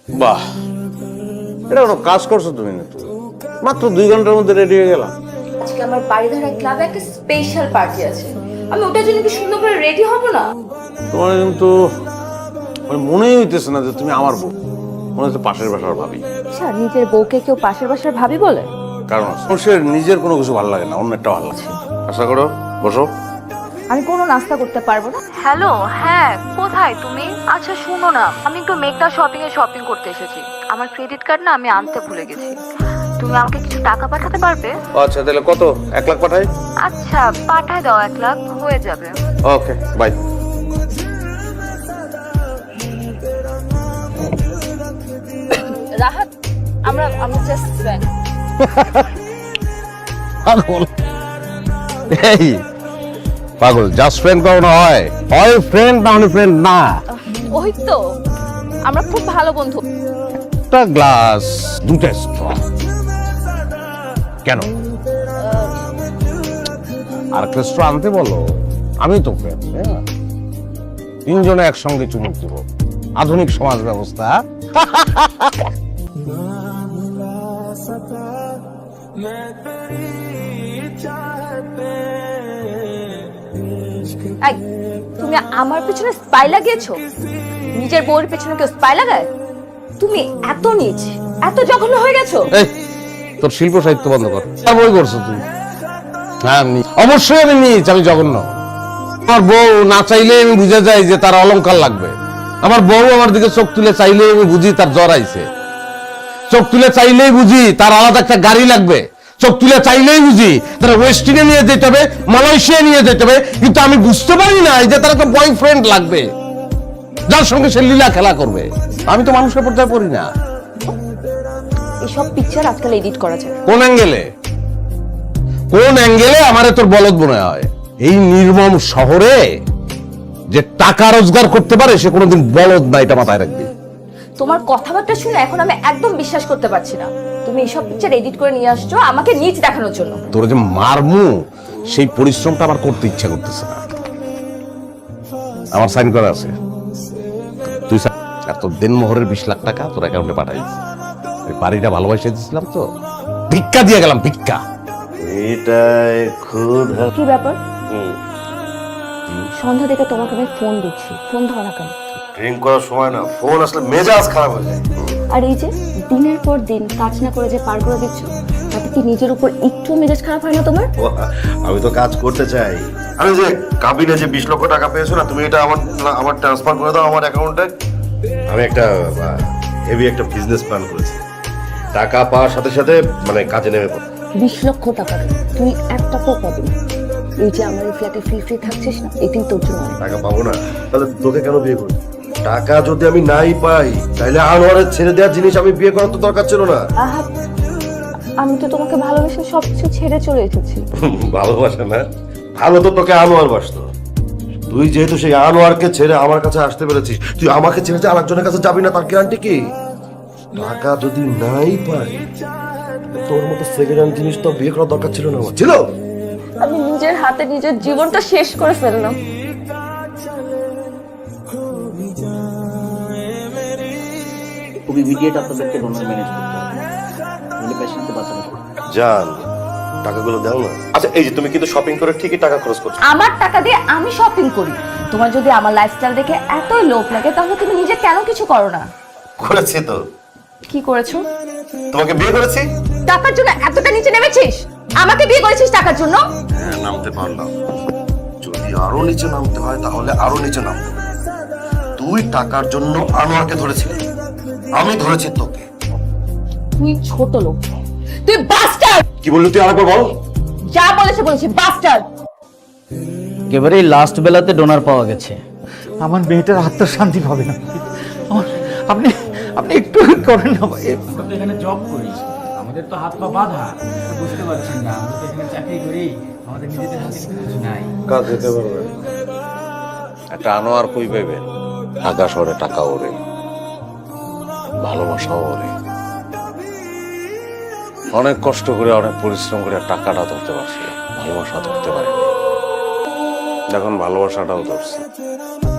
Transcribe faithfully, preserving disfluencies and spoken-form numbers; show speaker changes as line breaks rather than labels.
বাহ, এটা কোনো কাজ করছো তুমি না? তো মাত্র দুই ঘন্টার মধ্যে রেডি হয়ে গেলাম।
আজকে আমার বাড়িধারা ক্লাবে একটা স্পেশাল পার্টি আছে, আমি ওটার জন্য কি সুন্দর করে রেডি হব না?
তোমার কিন্তু মানে মনেই হইতেছে না যে তুমি আমার বউ, মনে হচ্ছে পাশের বাসার ভাবি।
আচ্ছা, নিজের বউকে কেউ পাশের বাসার ভাবি বলে?
কারণ মানুষের নিজের কোনো কিছু ভালো লাগে না, অন্য একটা ভালো লাগে। আশা করো, বসো।
আমি কোনো নাস্তা করতে পারবো না।
হ্যালো, হ্যাঁ কোথায় তুমি? আচ্ছা শোনো না, আমি একটু মেঘনা শপিং এ শপিং করতে এসেছি। আমার ক্রেডিট কার্ড না আমি আনতে ভুলে গেছি। তুমি আমাকে কিছু টাকা পাঠাতে পারবে?
আচ্ছা তাহলে কত? এক লাখ পাঠাই?
আচ্ছা পাঠায় দাও, এক লাখ হয়ে যাবে।
Okay bye.
রাহাত, আমরা আমরা জাস্ট ফ্রেন্ড।
পাগল, এই পাগল, জাস্ট ফ্রেন্ড কখনো হয়? হয় ফ্রেন্ড, না হলে ফ্রেন্ড না।
ওই তো, আমরা খুব ভালো বন্ধু।
একটা গ্লাস, দুটা স্ট্র। কেন? আর একটা স্ট্র আনতে বলো, আমি তো ফ্রেন্ড। তিনজনে একসঙ্গে চুমুক দিব, আধুনিক সমাজ ব্যবস্থা।
এই, তুমি আমার পেছনে স্পাই লাগিয়েছো? নিজের বউয়ের পেছনে কেউ স্পাই লাগায়? তুমি এত নীচ, এত জঘন্য হয়ে গেছো।
এই, তোর শিল্প সাহিত্য বন্ধ কর। বই করছো তুই? হ্যাঁ নীচ, অবশ্যই আমি নীচ, আমি জঘন্য। আমার বউ না চাইলে আমি বুঝে যাই যে তার অলংকার লাগবে। আমার বউ আমার দিকে চোখ তুলে চাইলেই আমি বুঝি তার জ্বর আইছে। চোখ তুলে চাইলেই বুঝি তার আলাদা একটা গাড়ি লাগবে। চোখ তুলে চাইলেই বুঝি তারা ওয়েস্টিনে নিয়ে যেতে হবে, মালয়েশিয়া নিয়ে যেতে হবে। কিন্তু আমি বুঝতে পারি না যে তার একটা বয়ফ্রেন্ড লাগবে, যার সঙ্গে সে লীলা খেলা করবে। আমি তো মানুষের পর্যায়ে পড়ি না।
এসব পিকচার আজকাল এডিট করা যায়।
কোন অ্যাঙ্গেলে কোন অ্যাঙ্গেলে আমারে তোর বলদ মনে হয়? এই নির্মম শহরে যে টাকা রোজগার করতে পারে সে কোনোদিন বলদ না, এটা মাথায় রাখবি।
তোমার কথাবার্তা শুনে এখন আমি একদম বিশ্বাস করতে পারছি না। তুমি এসব পিকচার এডিট করে নিয়ে আসছো আমাকে নিচ দেখানোর জন্য।
তোর যে মারমু সেই পরিশ্রমটা আমার করতে ইচ্ছা করতেছে না। আমার সাইন করা আছে, তুই আর তোর দেনমোহরের বিশ লাখ টাকা তোর অ্যাকাউন্টে পাঠাই দিস। ওই বাড়িটা ভালোবাসা দিয়েছিলাম তো, ভিক্ষা দিয়ে গেলাম, ভিক্ষা। এটাই খুব
কি ব্যাপার? সন্ধ্যা থেকে তোমাকে আমি ফোন দিচ্ছি, ফোন ধরো না কেন?
ড্রিঙ্ক করার সময় না ফোন আসলে মেজাজ খারাপ হয়ে যায়।
আর এই যে দিনের পর দিন কাজ না করে যে পার করে দিচ্ছ, তাতে কি নিজের উপর একটু মেজাজ খারাপ হয় না তোমার?
আমি তো কাজ করতে চাই। আমি যে কাবিনে যে বিশ লক্ষ টাকা পেয়েছো না, তুমি এটা আমার আমার ট্রান্সফার করে দাও আমার অ্যাকাউন্টে। আমি একটা হেভি একটা বিজনেস প্ল্যান করেছি। টাকা পাওয়ার সাথে সাথে মানে কাজে নেমে পড়ো।
বিশ লক্ষ টাকা তুই এক টাকাও পাবি না। এই যে আমার এই ফ্ল্যাটে ফ্রি ফ্রি থাকছিস না, এটাই তোর জন্য।
টাকা পাবো না তাহলে তোকে কেন বিয়ে করবো? টাকা যদি আমি নাই পাই তাহলে আনোয়ারের ছেড়ে দেওয়ার জিনিস আমি বিয়ে করার তো দরকার ছিল না।
আহা, আমি তো তোমাকে ভালোবেসে সবকিছু ছেড়ে চলে এসেছি।
ভালোবাসা না, ভালো তো তোকে আনোয়ার বাসতো। তুই যেহেতু সেই আনোয়ারকে ছেড়ে আমার কাছে আসতে পেরেছিস, তুই আমাকে ছেড়ে যে আরেকজনের কাছে যাবি না তার গ্যারান্টি কি? টাকা যদি নাই পাই তোর মতো সেকেন্ড হ্যান্ড জিনিস তো বিয়ে করার দরকার ছিল না। আমার ছিল।
আমি নিজের হাতে নিজের জীবনটা শেষ করে ফেললাম।
খুব ইমিডিয়েট আপনাদেরকে ডোনার ম্যানেজ করতে হবে, নাহলে পেশেন্টকে বাঁচানো যাবে না।
জান, টাকাগুলো দাও না। আচ্ছা এই যে তুমি কিন্তু শপিং করে ঠিকই টাকা খরচ করছো।
আমার টাকা দিয়ে আমি শপিং করি। তোমার যদি আমার লাইফস্টাইল দেখে এতই লোভ লাগে তাহলে তুমি নিজে কেন কিছু করো না?
করেছি তো।
কি করেছো?
তোমাকে বিয়ে করেছি।
টাকার জন্য এতটা নিচে নেমেছিস? আমাকে বিয়ে করেছিস টাকার জন্য?
হ্যাঁ নামতে পারলাম, যদি আরো নিচে নামতে হয় তাহলে আরো নিচে নামতে। তুই টাকার জন্য আনোয়ারকে ধরেছিলি, আমি ধরেছি তোকে।
তুই ছোট লোক, তুই বাস্টার্ড।
কি বললি তুই? আরেকবার বল।
যা বলেছে বলেছি, বাস্টার্ড।
একেবারে লাস্ট বেলাতে ডোনার পাওয়া গেছে।
আমার মেয়েটার আত্মার শান্তি পাবে না। আমার আপনি আপনি একটু করেন না ভাই।
আমরা তো এখানে জব করি, আমাদের তো হাত পা বাঁধা। বুঝতে পারছেন না, আমরা তো এখানে চাকরি করি, আমাদের নিজেদের হাতে কিছু নাই।
কাজ যেতে পারবে একটা আনোয়ার কই পাইবে? ঢাকা শহরে টাকা ওরে, ভালোবাসাও ওরে। অনেক কষ্ট করে অনেক পরিশ্রম করে টাকাটা ধরতে পারছিলাম, ভালোবাসা ধরতে পারিনি। এখন ভালোবাসাটাও ধরছি।